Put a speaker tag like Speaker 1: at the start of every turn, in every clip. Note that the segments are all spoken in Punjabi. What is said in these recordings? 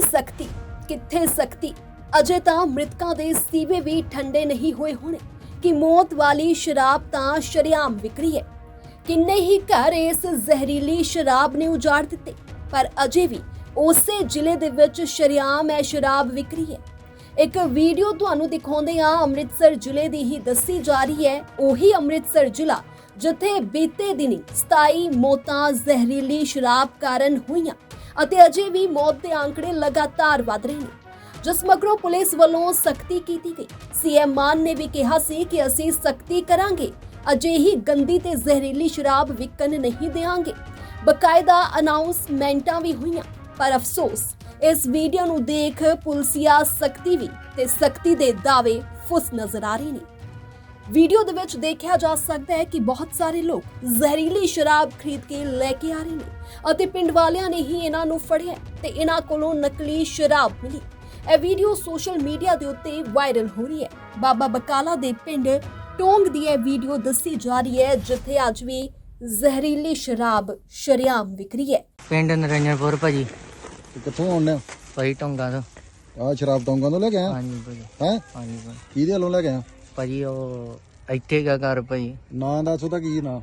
Speaker 1: ਸਖਤੀ ਕਿੱਥੇ ਸਖਤੀ। ਅਜੇ ਤਾਂ ਮ੍ਰਿਤਕਾਂ ਦੇ ਸੀਵੇ ਵੀ ਠੰਡੇ ਨਹੀਂ ਹੋਏ ਹੋਣੇ ਕਿ ਮੌਤ ਵਾਲੀ ਸ਼ਰਾਬ ਤਾਂ ਸ਼ਰੇਆਮ ਵਿਕਰੀ ਹੈ। ਕਿੰਨੇ ਹੀ ਘਰ ਇਸ ਜ਼ਹਿਰੀਲੀ ਸ਼ਰਾਬ ਨੇ ਉਜਾੜ ਦਿੱਤੇ, ਪਰ ਅਜੇ ਵੀ ਉਸੇ ਜ਼ਿਲ੍ਹੇ ਦੇ ਵਿੱਚ ਸ਼ਰੇਆਮ ਇਹ ਸ਼ਰਾਬ ਵਿਕਰੀ ਹੈ। ਇੱਕ ਵੀਡੀਓ ਤੁਹਾਨੂੰ ਦਿਖਾਉਂਦੇ ਹਾਂ, ਅੰਮ੍ਰਿਤਸਰ ਜ਼ਿਲ੍ਹੇ ਦੀ ਹੀ ਦੱਸੀ ਜਾ ਰਹੀ ਹੈ। ਉਹੀ ਅੰਮ੍ਰਿਤਸਰ ਜ਼ਿਲ੍ਹਾ ਜਿੱਥੇ ਬੀਤੇ ਦਿਨੀ 27 ਮੌਤਾਂ ਜ਼ਹਿਰੀਲੀ ਸ਼ਰਾਬ ਕਾਰਨ ਹੋਈਆਂ ਅਤੇ ਅਜੇ ਵੀ ਮੌਤ ਦੇ ਆંકੜੇ ਲਗਾਤਾਰ ਵਧ ਰਹੇ ਨੇ, ਜਿਸ ਮਗਰੋਂ ਪੁਲਿਸ ਵੱਲੋਂ ਸਖਤੀ ਕੀਤੀ ਗਈ। ਸੀਐਮ ਮਾਨ ਨੇ ਵੀ ਕਿਹਾ ਸੀ ਕਿ ਅਸੀਂ ਸਖਤੀ ਕਰਾਂਗੇ, ਅਜਿਹੀ ਗੰਦੀ ਤੇ ਜ਼ਹਿਰੀਲੀ ਸ਼ਰਾਬ ਵਿਕਣ ਨਹੀਂ ਦੇਵਾਂਗੇ। ਬਕਾਇਦਾ ਅਨਾਉਂਸਮੈਂਟਾਂ ਵੀ ਹੋਈਆਂ, ਪਰ ਅਫਸੋਸ ਇਸ ਵੀਡੀਓ ਨੂੰ ਦੇਖ ਪੁਲਿਸੀਆ ਸਖਤੀ ਵੀ ਤੇ ਸਖਤੀ ਦੇ ਦਾਅਵੇ ਫੁੱਸ ਨਜ਼ਰ ਆ ਰਹੇ ਨੇ। ਵੀਡੀਓ ਦੇ ਵਿੱਚ ਦੇਖਿਆ ਜਾ ਸਕਦਾ ਹੈ ਕਿ ਬਹੁਤ ਸਾਰੇ ਲੋਕ ਜ਼ਹਿਰੀਲੀ ਸ਼ਰਾਬ ਖਰੀਦ ਕੇ ਲੈ ਕੇ ਆ ਰਹੇ ਨੇ ਅਤੇ ਪਿੰਡ ਵਾਲਿਆਂ ਨੇ ਹੀ ਇਹਨਾਂ ਨੂੰ ਫੜਿਆ ਤੇ ਇਹਨਾਂ ਕੋਲੋਂ ਨਕਲੀ ਸ਼ਰਾਬ ਮਿਲੀ। ਇਹ ਵੀਡੀਓ ਸੋਸ਼ਲ ਮੀਡੀਆ ਦੇ ਉੱਤੇ ਵਾਇਰਲ ਹੋ ਰਹੀ ਹੈ। ਬਾਬਾ ਬਕਾਲਾ ਦੇ ਪਿੰਡ ਟੋਂਗ ਦੀ ਇਹ ਵੀਡੀਓ ਦੱਸੀ ਜਾ ਰਹੀ ਹੈ, ਜਿੱਥੇ ਅੱਜ ਵੀ ਜ਼ਹਿਰੀਲੀ ਸ਼ਰਾਬ ਸ਼ਰੇਆਮ ਵਿਕਰੀ ਹੈ।
Speaker 2: ਪਿੰਡ ਨਰਿੰਦਰਪੁਰ ਭਾਜੀ।
Speaker 3: ਕਿੱਥੋਂ ਆਉਂਦੇ ਹੋ
Speaker 2: ਭਾਜੀ ਟੋਂਗਾ ਤੋਂ।
Speaker 3: ਆ ਸ਼ਰਾਬ ਟੌਂਗਾਂ ਤੋਂ ਲੈ ਕੇ ਆਇਆ
Speaker 2: ਹਾਂਜੀ ਭਾਜੀ।
Speaker 3: ਹੈ
Speaker 2: ਹਾਂਜੀ ਭਾਜੀ।
Speaker 3: ਕਿਹਦੇ ਵੱਲੋਂ ਲੈ ਕੇ ਆਇਆ?
Speaker 2: ਭਾਜੀ ਉਹ ਇੱਥੇ ਗਾ ਘਰ ਭਾਜੀ।
Speaker 3: ਨਾਂ ਦੱਸ ਉਹਦਾ ਕੀ ਨਾਂ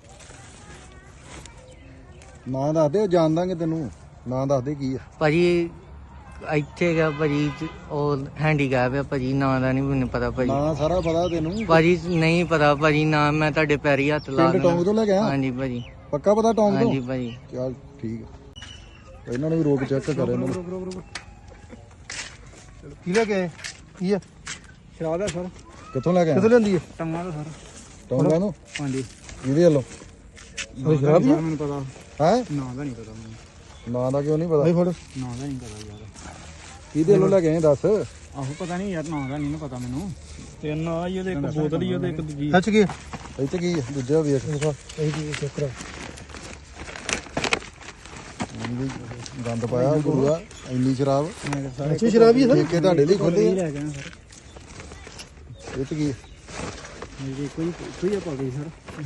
Speaker 3: ਦੱਸ ਦੇ, ਉਹ ਜਾਣ ਦਾਂਗੇ ਤੈਨੂੰ। ਨਾਂ ਦੱਸ ਦੇ ਕੀ ਆ।
Speaker 2: ਭਾਜੀ ਇੱਥੇ ਗਾ ਭਾਜੀ, ਉਹ ਹੈਂਡੀਕੈਪ ਆ ਭਾਜੀ, ਨਾਂ ਦਾ ਨਹੀਂ ਮੈਨੂੰ ਪਤਾ ਭਾਜੀ।
Speaker 3: ਨਾਂ ਸਾਰਾ ਪਤਾ ਤੈਨੂੰ?
Speaker 2: ਭਾਜੀ ਨਹੀਂ ਪਤਾ ਭਾਜੀ, ਨਾਂ ਮੈਂ ਤੁਹਾਡੇ ਪੈਰੀ ਹੱਥ ਲਾ
Speaker 3: ਪਿੰਡ ਟੌਂਗ ਤੋਂ ਲੈ ਕੇ ਆਇਆ?
Speaker 2: ਹਾਂਜੀ ਭਾਜੀ।
Speaker 3: ਪੱਕਾ ਪਤਾ ਟੌਂਗ ਤੋਂ?
Speaker 2: ਹਾਂਜੀ ਭਾਜੀ।
Speaker 3: ਚੱਲ ਠੀਕ ਆ, ਇਹਨਾਂ ਨੂੰ ਵੀ ਰੋਕ ਚੈੱਕ ਕਰ ਇਹਨਾਂ ਨੂੰ।
Speaker 4: ਕੀ ਲੈ ਕੇ ਆਏ? ਕੀ ਆ? ਸ਼ਰਾਬ ਹੈ ਸਰ।
Speaker 3: ਕਿੱਥੋਂ ਲੈ ਕੇ
Speaker 4: ਕਿੱਥੋਂ
Speaker 3: ਆਇਆ?
Speaker 4: ਲੈਂਦੀ ਹੈ? ਟੰਗਾ ਤੋਂ ਸਰ।
Speaker 3: ਟੌਂਗਾਂ ਤੋਂ?
Speaker 4: ਹਾਂਜੀ।
Speaker 3: ਕਿਹਦੇ ਵੱਲੋਂ?
Speaker 4: ਉਹ ਸ਼ਰਾਬ ਹੀ ਮੈਨੂੰ ਪਤਾ।
Speaker 3: ਹੈ
Speaker 4: ਨਾਂ ਦਾ ਨਹੀਂ ਪਤਾ ਮੈਨੂੰ।
Speaker 3: ਨਾਂ ਦਾ ਕਿਉਂ ਨਹੀਂ ਪਤਾ?
Speaker 4: ਫੜ। ਨਾਂ ਦਾ ਨਹੀਂ ਪਤਾ ਯਾਰ।
Speaker 3: ਕਿਹਦੇ ਵੱਲੋਂ ਲੈ ਕੇ ਆਏ ਦੱਸ।
Speaker 4: ਆਹੋ ਪਤਾ ਨਹੀਂ ਯਾਰ, ਨਾਂ ਦਾ ਨਹੀਂ ਪਤਾ ਮੈਨੂੰ। ਤਿੰਨ ਆ ਹੀ ਉਹਦੇ, ਇੱਕ ਬੋਤਲ ਹੀ ਉਹਦੇ, ਇੱਕ ਦੂਜੀ। ਸੱਚ ਕੀ?
Speaker 3: ਇੱਥੇ ਕੀ ਆ? ਦੂਜਾ ਵੇਖ।
Speaker 4: ਇਹ ਕੀ ਚੱਕਰ?
Speaker 3: ਗੰਦ ਪਾਇਆ ਗੁਰੂਆ, ਇੰਨੀ ਸ਼ਰਾਬ।
Speaker 4: ਅੱਛੀ ਸ਼ਰਾਬ ਹੀ
Speaker 3: ਠੇਕੇ ਤੁਹਾਡੇ ਲਈ ਖੋਲੇ ਆ।
Speaker 4: ਲੈ ਗਏ ਸਰ।
Speaker 3: ਇਹ ਤੇ ਕੀ ਆ?
Speaker 4: ਇਹ ਕੋਈ ਆ ਪਾ ਗਈ ਸਰ।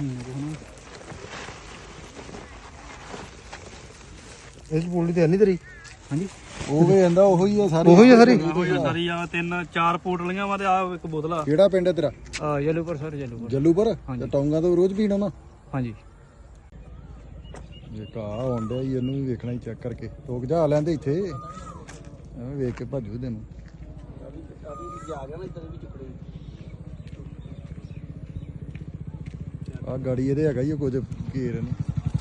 Speaker 4: ਇਸ ਬੋਲੀ ਤੇ ਨਹੀਂ ਤੇਰੀ? ਹਾਂਜੀ।
Speaker 3: ਉਹ ਵੀ ਕਹਿੰਦਾ ਉਹੀ ਆ ਸਾਰੀ।
Speaker 4: ਉਹੀ ਆ ਸਾਰੀ?
Speaker 5: ਸਾਰੀ ਆ ਤਿੰਨ ਚਾਰ ਪੋਟਲੀਆਂ ਵਾ ਤੇ ਆ ਇੱਕ ਬੋਤਲ ਆ।
Speaker 3: ਕਿਹੜਾ ਪਿੰਡ ਹੈ ਤੇਰਾ?
Speaker 5: ਯੈਲੋਪੁਰ ਸਰ, ਯੈਲੋਪੁਰ।
Speaker 3: ਜੱਲੂਪੁਰ? ਤੇ ਟੌਂਗਾ ਤੋਂ ਰੋਜ਼ ਪੀਣਾ ਨਾ?
Speaker 5: ਹਾਂਜੀ।
Speaker 3: ਇਹ ਕਾ ਆਉਂਦਾ ਹੀ, ਇਹਨੂੰ ਵੀ ਵੇਖਣਾ ਹੀ ਚੈੱਕ ਕਰਕੇ। ਰੋਕ ਜਾ ਲੈਂਦੇ ਇੱਥੇ, ਐਵੇਂ ਵੇਖ ਕੇ ਭੱਜੂ ਤੈਨੂੰ। ਆ ਗਾੜੀ ਇਹਦੇ ਹੈਗਾ ਹੀ ਕੁਝ ਘੇਰ ਨਹੀਂ।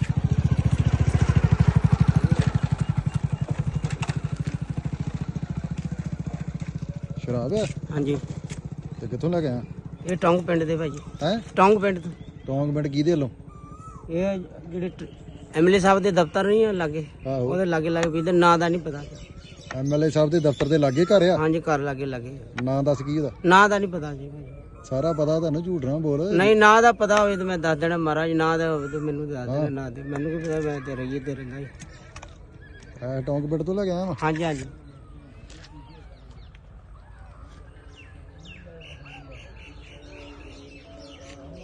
Speaker 3: ਸ਼ਰਾਬ ਹੈ?
Speaker 2: ਹਾਂਜੀ।
Speaker 3: ਤੇ ਕਿੱਥੋਂ ਲੈ ਕੇ ਆਇਆ?
Speaker 2: ਇਹ ਟੋਂਗ ਪਿੰਡ ਦੇ ਭਾਜੀ।
Speaker 3: ਹੈ
Speaker 2: ਟੋਂਗ ਪਿੰਡ ਤੋਂ।
Speaker 3: ਟੌਂਗ ਪਿੰਡ ਕਿਹਦੇ ਵੱਲੋਂ?
Speaker 2: ਇਹ ਜਿਹੜੇ ਐਮਐਲਏ ਸਾਹਿਬ ਦੇ ਦਫ਼ਤਰ ਨਹੀਂ ਆ ਲਾਗੇ,
Speaker 3: ਆਹੋ।
Speaker 2: ਉਹਦੇ ਲਾਗੇ ਲਾਗੇ ਵੀ ਨਾਂ ਦਾ ਨਹੀਂ ਪਤਾ।
Speaker 3: ਐਮਐਲਏ ਸਾਹਿਬ ਦੇ ਦਫ਼ਤਰ ਦੇ ਲਾਗੇ ਘਰ ਆ?
Speaker 2: ਹਾਂਜੀ, ਘਰ ਲਾਗੇ ਲਾਗੇ।
Speaker 3: ਨਾਂ ਦੱਸ ਕੀ ਉਹਦਾ?
Speaker 2: ਨਾਂ ਦਾ ਨਹੀਂ ਪਤਾ ਜੀ ਭਾਜੀ।
Speaker 3: ਸਾਰਾ ਪਤਾ ਤੁਹਾਨੂੰ, ਝੂਠ ਨਾ ਬੋਲ।
Speaker 2: ਨਹੀਂ, ਨਾਂ ਦਾ ਪਤਾ ਹੋਵੇ ਤਾਂ ਮੈਂ ਦੱਸ ਦੇਣਾ ਮਹਾਰਾਜ। ਨਾਂ ਦਾ ਹੋਵੇ ਤਾਂ ਮੈਨੂੰ ਦੱਸ ਦੇਣਾ। ਨਾਂ ਦੇ ਮੈਨੂੰ ਕੀ ਪਤਾ, ਮੈਂ ਤੇ ਰਹੀ ਤੇ ਰਹਿੰਦਾ ਜੀ।
Speaker 3: ਟੌਂਗ ਪਿੰਡ ਤੋਂ ਲੈ ਕੇ ਆਇਆ ਵਾ?
Speaker 2: ਹਾਂਜੀ ਹਾਂਜੀ।